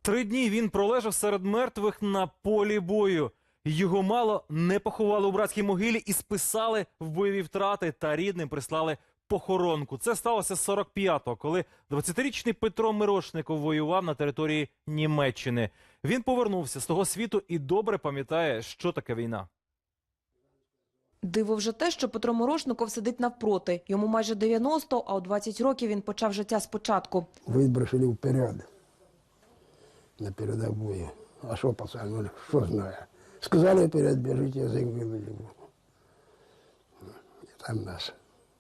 3 дні він пролежав серед мертвих на полі бою. Його мало не поховали у братській могилі і списали в бойові втрати та рідним прислали похоронку. Це сталося 45-го, коли 20-річний Петро Мирошников воював на території Німеччини. Він повернувся з того світу і добре пам'ятає, що таке війна. Диво вже те, що Петро Мирошников сидить навпроти. Йому майже 90, а у 20 років він почав життя спочатку. Выбросили вперед на передовую. А что, пацан, ну, что знаю. Сказали вперед, бежите, язык выловили. И там нас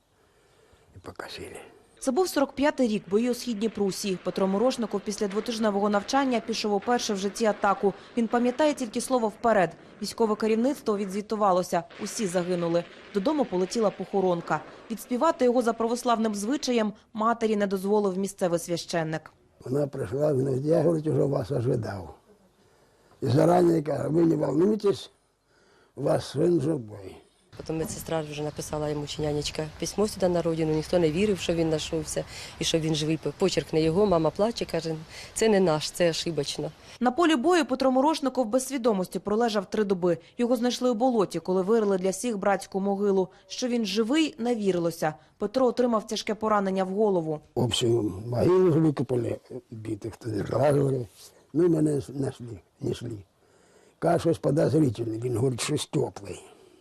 и покосили. Це був 45-й рік, бої у Східній Прусії. Петро Мирошников після двотижневого навчання пішов уперше в житті атаку. Він пам'ятає тільки слово «вперед». Військове керівництво відзвітувалося. Усі загинули. Додому полетіла похоронка. Відспівати його за православним звичаєм матері не дозволив місцевий священник. Она пришла, говорит, я, говорит, уже вас ожидал. И заранее говорю, вы не волнуйтесь, у вас сын живой. Потім медсестра вже написала йому, чи нянечка, письмо сюди на родину. Ніхто не вірив, що він знайшовся і що він живий. Почерк не його, мама плаче, каже, це не наш, це ошибочно. На полі бою Петро Мирошников без свідомості пролежав 3 доби. Його знайшли у болоті, коли вирили для всіх братську могилу. Що він живий, не вірилося. Петро отримав тяжке поранення в голову. Общую могилу выкопали, битых разложили. Ну, меня нашли, несли. Кажется, щось подозрительное. Він говорит, что теплый.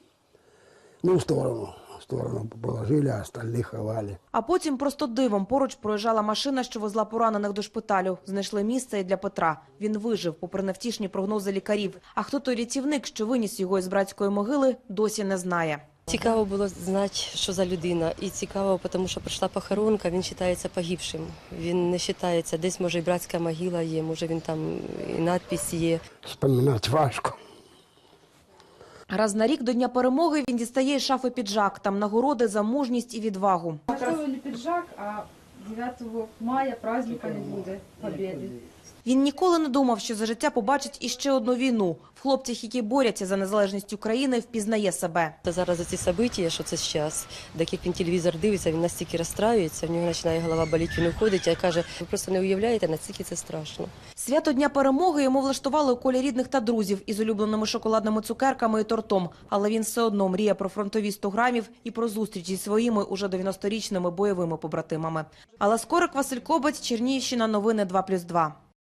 Ну, в сторону положили, а остальных ховали. А потім просто дивом поруч проїжджала машина, що везла поранених до шпиталю. Знайшли місце і для Петра. Він вижив, попри невтішні прогнози лікарів. А хто той рятівник, що виніс його із братської могили, досі не знає. Цікаво було знати, що за людина. І цікаво, тому що прийшла похоронка, він вважається погибшим. Він не вважається, десь може і братська могила є, може він там і надпись є. Вспоминать важко. Раз на рік до Дня перемоги він дістає із шафи піджак. Там нагороди за мужність і відвагу. Готовили пиджак, а 9 мая праздника не буде Побєди. Він ніколи не думав, що за життя побачить іще одну війну. В хлопцях, які борються за незалежність України, впізнає себе. Та зараз ці события, що це зараз, так як він телевізор дивиться, він настільки розстраюється, в нього починає голова боліти, він уходить, а каже, ви просто не уявляєте, наскільки це страшно. Свято Дня перемоги йому влаштували у колі рідних та друзів із улюбленими шоколадними цукерками і тортом. Але він все одно мріє про фронтові 100 грамів і про зустріч зі своїми уже 90-річними бойовими побратимами. Алла Скорик, Василь Кобець, Чернігівщина, новини 2+2.